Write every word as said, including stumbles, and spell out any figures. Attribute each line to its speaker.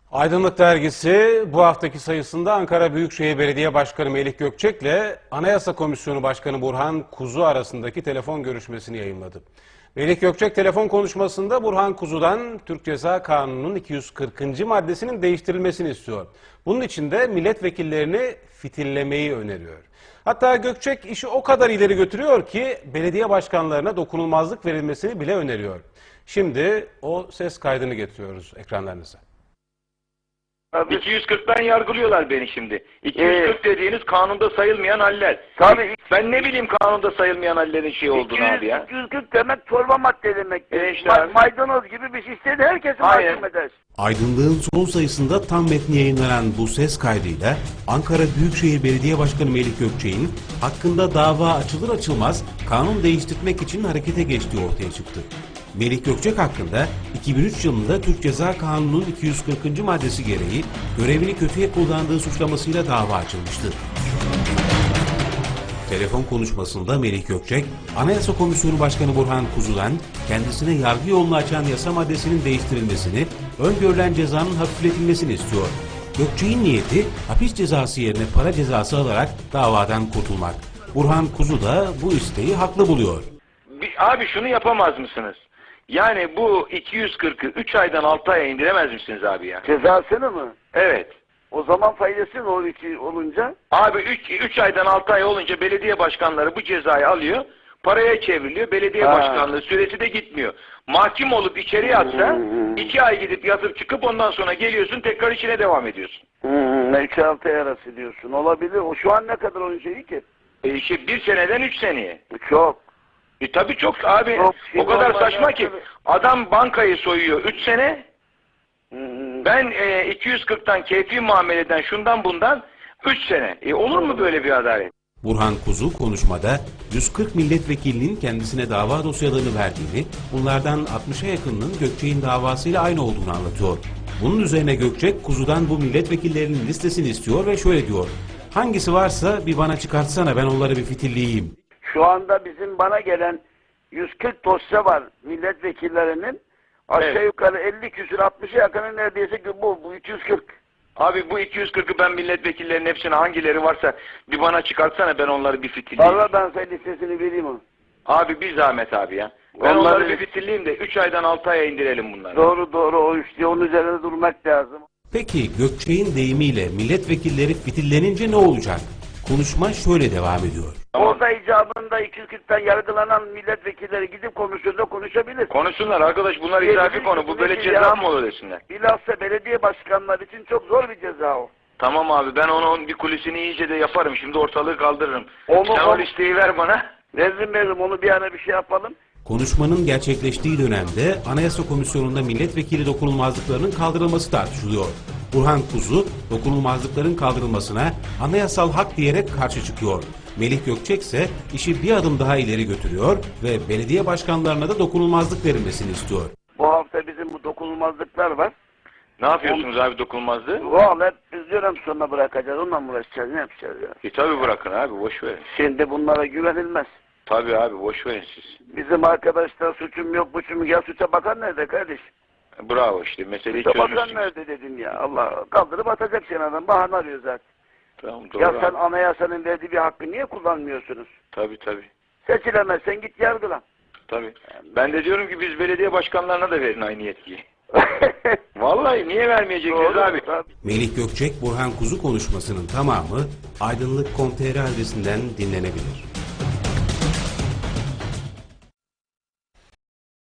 Speaker 1: Aydınlık Dergisi bu haftaki sayısında Ankara Büyükşehir Belediye Başkanı Melih Gökçek ile Anayasa Komisyonu Başkanı Burhan Kuzu arasındaki telefon görüşmesini yayımladı. Melih Gökçek telefon konuşmasında Burhan Kuzu'dan Türk Ceza Kanunu'nun iki yüz kırkıncı maddesinin değiştirilmesini istiyor. Bunun için de milletvekillerini fitillemeyi öneriyor. Hatta Gökçek işi o kadar ileri götürüyor ki belediye başkanlarına dokunulmazlık verilmesini bile öneriyor. Şimdi o ses kaydını getiriyoruz ekranlarınıza.
Speaker 2: iki yüz kırktan yargılıyorlar beni şimdi. iki yüz kırk ee, dediğiniz kanunda sayılmayan haller.
Speaker 3: Tabii.
Speaker 2: Ben ne bileyim kanunda sayılmayan hallerin şey olduğunu abi ya.
Speaker 3: iki yüz kırk demek çorba madde demek.
Speaker 2: E işte
Speaker 3: Ma maydanoz gibi bir şey istedi herkesi mahkum eder.
Speaker 1: Aydınlığın son sayısında tam metni yayınlanan bu ses kaydıyla Ankara Büyükşehir Belediye Başkanı Melih Gökçek'in hakkında dava açılır açılmaz kanun değiştirmek için harekete geçtiği ortaya çıktı. Melih Gökçek hakkında iki bin üç yılında Türk Ceza Kanunu'nun iki yüz kırkıncı maddesi gereği görevini kötüye kullandığı suçlamasıyla dava açılmıştı. Telefon konuşmasında Melih Gökçek, Anayasa Komisyonu Başkanı Burhan Kuzu'dan kendisine yargı yolunu açan yasa maddesinin değiştirilmesini, öngörülen cezanın hafifletilmesini istiyor. Gökçek'in niyeti hapis cezası yerine para cezası alarak davadan kurtulmak. Burhan Kuzu da bu isteği haklı buluyor.
Speaker 2: Bir, abi şunu yapamaz mısınız? Yani bu iki yüz kırkı üç aydan altı aya indiremez misiniz abi ya?
Speaker 3: Cezasını mı?
Speaker 2: Evet.
Speaker 3: O zaman faydası ne olur ki olunca?
Speaker 2: Abi üç aydan altı ay olunca belediye başkanları bu cezayı alıyor, paraya çevriliyor, belediye ha. başkanlığı süresi de gitmiyor. Mahkum olup içeriye atsa iki ay gidip yatıp çıkıp ondan sonra geliyorsun tekrar içine devam ediyorsun.
Speaker 3: Hmm, üç altı ay arası diyorsun. Olabilir. O şu an ne kadar onun şeyi ki?
Speaker 2: E işte bir seneden üç seneye.
Speaker 3: Çok.
Speaker 2: E tabii çok abi. Çok, o kadar saçma ki. Adam bankayı soyuyor üç sene. Hmm. Ben e, iki yüz kırktan keyfi muameleden şundan bundan üç sene. E, olur mu böyle bir adalet?
Speaker 1: Burhan Kuzu konuşmada yüz kırk milletvekilinin kendisine dava dosyalarını verdiğini, bunlardan altmışa yakınının Gökçek'in davasıyla aynı olduğunu anlatıyor. Bunun üzerine Gökçek, Kuzu'dan bu milletvekillerinin listesini istiyor ve şöyle diyor: hangisi varsa bir bana çıkartsana, ben onları bir fitilleyeyim.
Speaker 3: Şu anda bizim bana gelen yüz kırk dosya var milletvekillerinin. Aşağı evet. yukarı elli küsür altmışa yakını neredeyse bu, bu iki yüz kırk.
Speaker 2: Abi bu iki yüz kırkı ben milletvekillerinin hepsine hangileri varsa bir bana çıkartsana, ben onları bir fitilleyeyim.
Speaker 3: Valla ben sana listesini vereyim onu.
Speaker 2: Abi bir zahmet abi ya. Ben onları, onları bir fitilleyeyim de üç aydan altı aya indirelim bunları.
Speaker 3: Doğru doğru, o işte onun üzerinde durmak lazım.
Speaker 1: Peki Gökçek'in deyimiyle milletvekilleri fitillenince ne olacak? Konuşma şöyle devam ediyor.
Speaker 3: Orada icabında iki yüz kırktan yargılanan milletvekilleri gidip komisyonda konuşabilir.
Speaker 2: Konuşsunlar arkadaş, bunlar izafi konu. Bu böyle ceza mı olur desinler.
Speaker 3: Bilhassa belediye başkanları için çok zor bir ceza o.
Speaker 2: Tamam abi, ben onun bir kulisini iyice de yaparım. Şimdi ortalığı kaldırırım.
Speaker 3: Onu,
Speaker 2: Sen
Speaker 3: onu,
Speaker 2: o listeyi ver bana.
Speaker 3: Veririm veririm, onu bir ana bir şey yapalım.
Speaker 1: Konuşmanın gerçekleştiği dönemde Anayasa Komisyonu'nda milletvekili dokunulmazlıklarının kaldırılması tartışılıyor. Burhan Kuzu, dokunulmazlıkların kaldırılmasına anayasal hak diyerek karşı çıkıyor. Melih Gökçek ise işi bir adım daha ileri götürüyor ve belediye başkanlarına da dokunulmazlık verilmesini istiyor.
Speaker 3: Bu hafta bizim bu dokunulmazlıklar var.
Speaker 2: Ne yapıyorsunuz abi dokunulmazlığı?
Speaker 3: Valla hep biz dönem sonuna bırakacağız, onunla mı uğraşacağız, ne yapacağız ya?
Speaker 2: E tabi bırakın abi, boş verin.
Speaker 3: Şimdi bunlara güvenilmez.
Speaker 2: Tabi abi, boş verin siz.
Speaker 3: Bizim arkadaşlar suçum yok, buçum yok. Ya suça bakan nerede kardeş?
Speaker 2: Bravo, işte meseleyi
Speaker 3: suça
Speaker 2: çözmüşsünüz.
Speaker 3: Suça bakan nerede dedim ya, Allah kaldırıp atacak seni adam, bahane arıyor zaten.
Speaker 2: Tamam, doğru
Speaker 3: ya sen
Speaker 2: abi.
Speaker 3: anayasanın verdiği bir hakkı niye kullanmıyorsunuz?
Speaker 2: Tabi tabi.
Speaker 3: Seçilemezsen git yargılan.
Speaker 2: Tabi. Ben de diyorum ki biz belediye başkanlarına da verin aynı yetkiyi. Vallahi niye vermeyeceksiniz abi? Tabii.
Speaker 1: Melih Gökçek, Burhan Kuzu konuşmasının tamamı aydınlık nokta com nokta tr adresinden dinlenebilir.